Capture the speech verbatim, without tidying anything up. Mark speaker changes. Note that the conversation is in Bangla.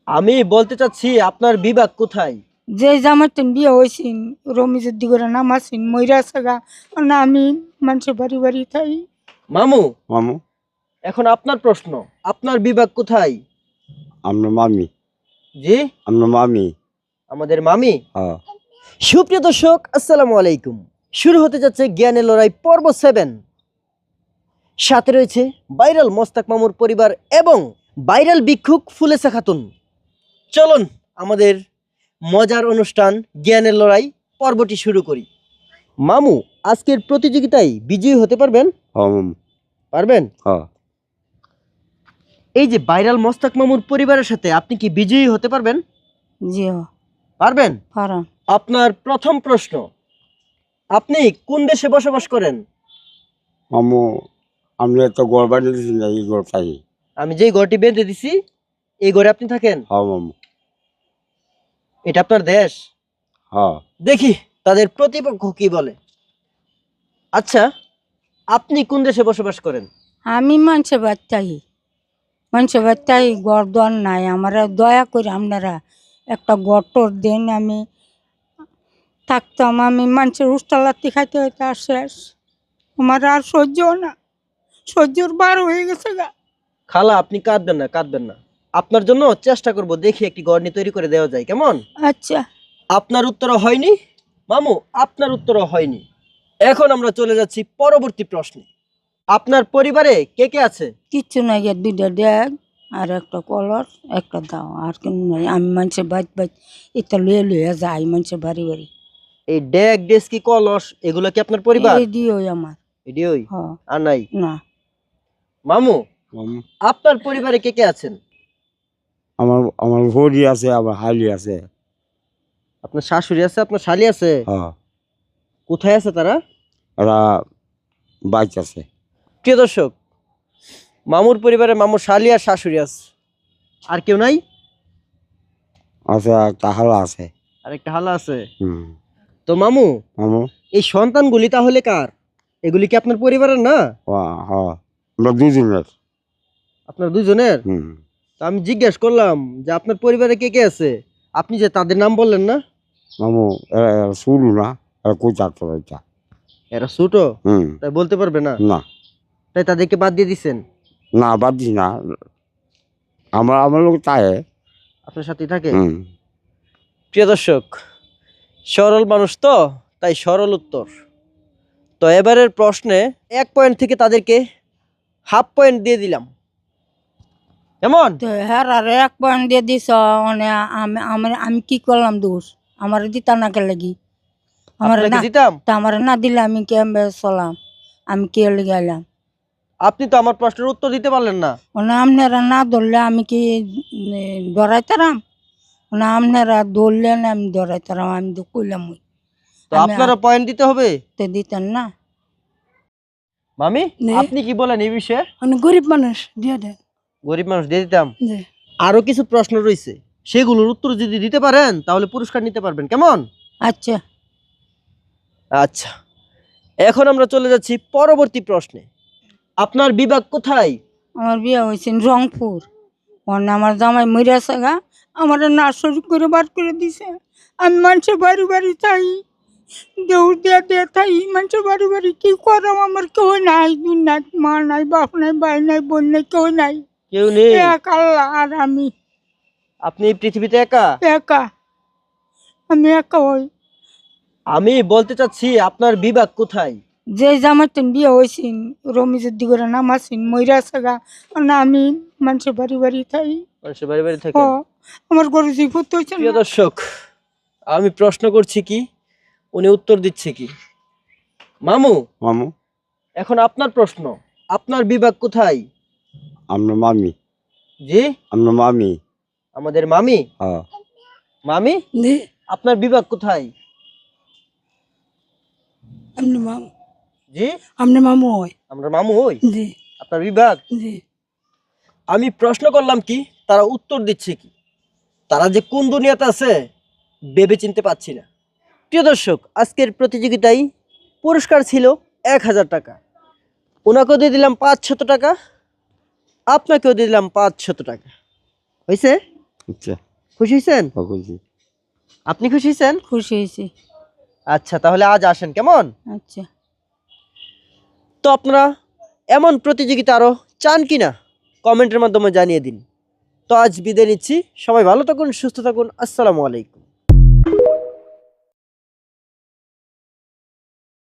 Speaker 1: আমি বলতে চাচ্ছি আপনার বিভাগ কোথায়?
Speaker 2: যে জামাইতেন বিয়ে হয়েছিন রমিজের দিগরে নামাছিন ময়রা সাগা না আমি মানুষের বাড়ি বাড়ি থাই।
Speaker 1: মামু,
Speaker 3: মামু
Speaker 1: এখন আপনার প্রশ্ন, আপনার বিভাগ কোথায়?
Speaker 3: আমরা মামি
Speaker 1: জি,
Speaker 3: আমরা মামি
Speaker 1: আমাদের মামি।
Speaker 3: হ্যাঁ
Speaker 1: সুপ্রিয় দর্শক, আসসালামু আলাইকুম। শুরু হতে যাচ্ছে জ্ঞানের লড়াই পর্ব সেভেন। সাথে রয়েছে ভাইরাল মোস্তাক মামুর পরিবার এবং ভাইরাল ভিক্ষুক ফুলেসা খাতুন। চলুন আমাদের মজার অনুষ্ঠান জ্ঞানের লড়াই পর্বটি শুরু করি। মামু, আজকের প্রতিযোগিতায় বিজয়ী হতে পারবেন?
Speaker 3: হ্যাঁ মামু
Speaker 1: পারবেন?
Speaker 3: হ্যাঁ
Speaker 1: এই যে ভাইরাল মোস্তাক মামুর পরিবারের সাথে আপনি কি বিজয়ী হতে পারবেন?
Speaker 2: জি
Speaker 1: পারবেন?
Speaker 2: পারান।
Speaker 1: আপনার প্রথম প্রশ্ন, আপনি কোন দেশে বসবাস করেন?
Speaker 3: মামু আমরা তো গড় বাড়ি দিয়েছি না এই গড় পাই।
Speaker 1: আমি যেই ঘরটি বেঁধে দিছি এই ঘরে আপনি থাকেন?
Speaker 3: হ্যাঁ মামু
Speaker 1: এটা আপনার দেশ?
Speaker 3: হ্যাঁ
Speaker 1: দেখি তাদের প্রতিপক্ষ কি বলে। আচ্ছা, আপনি কোন দেশে বসবাস করেন?
Speaker 2: আমি মানুষের বাচ্চাই মানুষের বাচ্চাই গড় দর নাই আমার দয়া করে আপনারা একটা গটর দেন আমি থাকতাম। আমি মানুষের উস্তালাতি খাইতে হইতে আর শেষ আমার আর সহ্য না, সহ্যর বার হয়ে গেছে গা।
Speaker 1: খালা, আপনি কাঁদবেন না, কাঁদবেন না। আপনার জন্য চেষ্টা করব, দেখি একটি গড়নি তৈরি করে দেওয়া যায়, কেমন?
Speaker 2: আচ্ছা
Speaker 1: আপনার উত্তরও হয়নি মামু, আপনার উত্তরও হয়নি। এখন আমরা চলে যাচ্ছি পরবর্তী প্রশ্নে। আপনার পরিবারে কে কে আছে?
Speaker 2: কিচ্ছু নাই গিয়ে দুইটা ড্যাগ আর একটা কলর একটা দাও আর কেন নাই। আমি মানুষের বাইত বাইত এটা লুয়ে লুয়ে যাই মানুষের বাড়ি বাড়ি।
Speaker 1: এই ডেক ডেস্কি কলস এগুলো কি আপনার পরিবার?
Speaker 2: এই দিও আমার।
Speaker 1: এডিওই
Speaker 2: হ
Speaker 1: আর নাই?
Speaker 2: না
Speaker 1: মামু,
Speaker 3: মামু
Speaker 1: আপনার পরিবারে কে কে আছেন?
Speaker 3: আমার আমার ভরি আছে আবার হালি আছে।
Speaker 1: আপনার শাশুড়ি আছে, আপনার শালি আছে?
Speaker 3: হ্যাঁ
Speaker 1: কোথায় আছে তারা?
Speaker 3: ওরা বাইক আছে।
Speaker 1: প্রিয় দর্শক, মামুর পরিবারে মামুর শালি আর শাশুড়ি আছে, আর কেউ নাই?
Speaker 3: আছে একটা হালা আছে।
Speaker 1: আর একটা হালা আছে।
Speaker 3: হুম
Speaker 1: তো মামু,
Speaker 3: মামু
Speaker 1: এই সন্তানগুলি তাহলে কার? এগুলি কি আপনার পরিবারের না?
Speaker 3: হ্যাঁ হ্যাঁ আমরা দুজনের।
Speaker 1: আপনার দুজনের?
Speaker 3: হুম
Speaker 1: তো আমি জিজ্ঞেস করলাম যে আপনার পরিবারে কে কে আছে, আপনি যে তাদের নাম বললেন না।
Speaker 3: মামু এরা এরা শুরু না এরা কই চারটা এটা।
Speaker 1: এরা ছোট,
Speaker 3: হুম
Speaker 1: তাই বলতে পারবে না,
Speaker 3: না
Speaker 1: তাই তাদেরকে বাদ দিয়ে দিচ্ছেন।
Speaker 3: না বাদ দিস না আমার আমার লোক তাই।
Speaker 1: আপনার সাথেই থাকে।
Speaker 3: হুম
Speaker 1: প্রিয় দর্শক, সরল মানুষ তো, তাই সরল উত্তর। তো এবারের প্রশ্নে এক পয়েন্ট থেকে তাদেরকে হাফ পয়েন্ট দিয়ে দিলাম, কেমন?
Speaker 2: তো হ্যাঁ আর এক পয়েন্ট দিয়ে দিস মানে আমি আমার আমি কি করলাম দোষ? আমার দিতা না কে লাগি আমার
Speaker 1: আপনাকে
Speaker 2: না
Speaker 1: দিতাম।
Speaker 2: তা আমার না দিলে আমি কেমবে চলাম? আমি কে লেগে গেলাম?
Speaker 1: আপনি তো আমার প্রশ্নের উত্তর দিতে পারলেন না।
Speaker 2: মানে আপনারা না ধরলে আমি কি ডরাইতারাম? না আপনারা ধরলেন আমি ডরাইতারাম? আমি তো কইলাম ওই
Speaker 1: তো
Speaker 2: আমি
Speaker 1: আপনারা পয়েন্ট দিতে হবে।
Speaker 2: তো দিতেন না।
Speaker 1: মামি,
Speaker 2: নে।
Speaker 1: আপনি কি বলেন এই বিষয়ে?
Speaker 2: মানে গরিব মানুষ দিয়ে দেন।
Speaker 1: গরিব মানুষ দিয়ে দিতাম।
Speaker 2: জি
Speaker 1: আরো কিছু প্রশ্ন রয়েছে, সেগুলোর উত্তর যদি দিতে পারেন তাহলে পুরস্কার নিতে পারবেন, কেমন?
Speaker 2: আচ্ছা
Speaker 1: আচ্ছা, এখন আমরা চলে যাচ্ছি পরবর্তী প্রশ্নে। আপনার বিভাগ কোথায়?
Speaker 2: আমার বিয়ে হয়েছে রংপুর। মানে আমার জামাই মরিয়া সাগা আমার নার্সারি করে বার করে দিছে। আমি মানুষের বাড়ি বাড়ি চাই দৌড় দিয়া দিয়ে থাই মানুষের বাড়ি বাড়ি কি করাম? আমার কেউ নাই, দুনিয়া মা নাই, বাপ নাই, ভাই নাই, বোন নাই, কেউ নাই।
Speaker 1: কেউ নেই?
Speaker 2: এক আল্লাহ আর আমি
Speaker 1: আপনি এই পৃথিবীতে একা?
Speaker 2: একা। আমি একা হই।
Speaker 1: আমি বলতে চাচ্ছি আপনার বিভাগ কোথায়?
Speaker 2: যে জামাইতেন বিয়ে হয়েছিন রমিজের দিগরে নামাছিন ময়রা সাগা না আমি মানুষের বাড়ি বাড়ি থাই।
Speaker 1: মানুষের বাড়ি বাড়ি
Speaker 2: হ
Speaker 1: থাকেন?
Speaker 2: আমার গরু জিভূত হয়েছে
Speaker 1: প্রিয়
Speaker 2: না।
Speaker 1: দর্শক, আমি প্রশ্ন করছি কি, উনি উত্তর দিচ্ছে কি। মামু,
Speaker 3: মামু
Speaker 1: এখন আপনার প্রশ্ন, আপনার বিভাগ কোথায়?
Speaker 3: আমরা মামি
Speaker 1: জি,
Speaker 3: আমরা মামি
Speaker 1: আমাদের মামি।
Speaker 3: হ্যাঁ
Speaker 1: মামি,
Speaker 2: জি
Speaker 1: আপনার বিভাগ কোথায়?
Speaker 2: আপনি মামু।
Speaker 1: জি,
Speaker 2: আপনি মামু হয়?
Speaker 1: আমরা মামু হই।
Speaker 2: জি
Speaker 1: আপনার বিভাগ?
Speaker 2: জি
Speaker 1: আমি প্রশ্ন করলাম কি, তারা উত্তর দিচ্ছে কি। তারা যে কোন দুনিয়াতে আছে ভেবে চিনতে পারছি না। প্রিয় দর্শক, আজকের প্রতিযোগিতায় পুরস্কার ছিল এক হাজার টাকা। ওনাকেও দিয়ে দিলাম পাঁচ শত টাকা, আপনাকেও দিয়ে দিলাম পাঁচ শত টাকা। হয়েছে?
Speaker 3: আচ্ছা
Speaker 1: খুশি হয়েছেন?
Speaker 3: খুশি।
Speaker 1: আপনি খুশি হয়েছেন?
Speaker 2: খুশি হয়েছি।
Speaker 1: আচ্ছা তাহলে আজ আসেন কেমন?
Speaker 2: আচ্ছা।
Speaker 1: তো আপনারা এমন প্রতিযোগিতা আরো চান কিনা কমেন্টের মাধ্যমে জানিয়ে দিন। তো আজ বিদায় নিচ্ছি, সবাই ভালো থাকুন, সুস্থ থাকুন, আসসালামু আলাইকুম।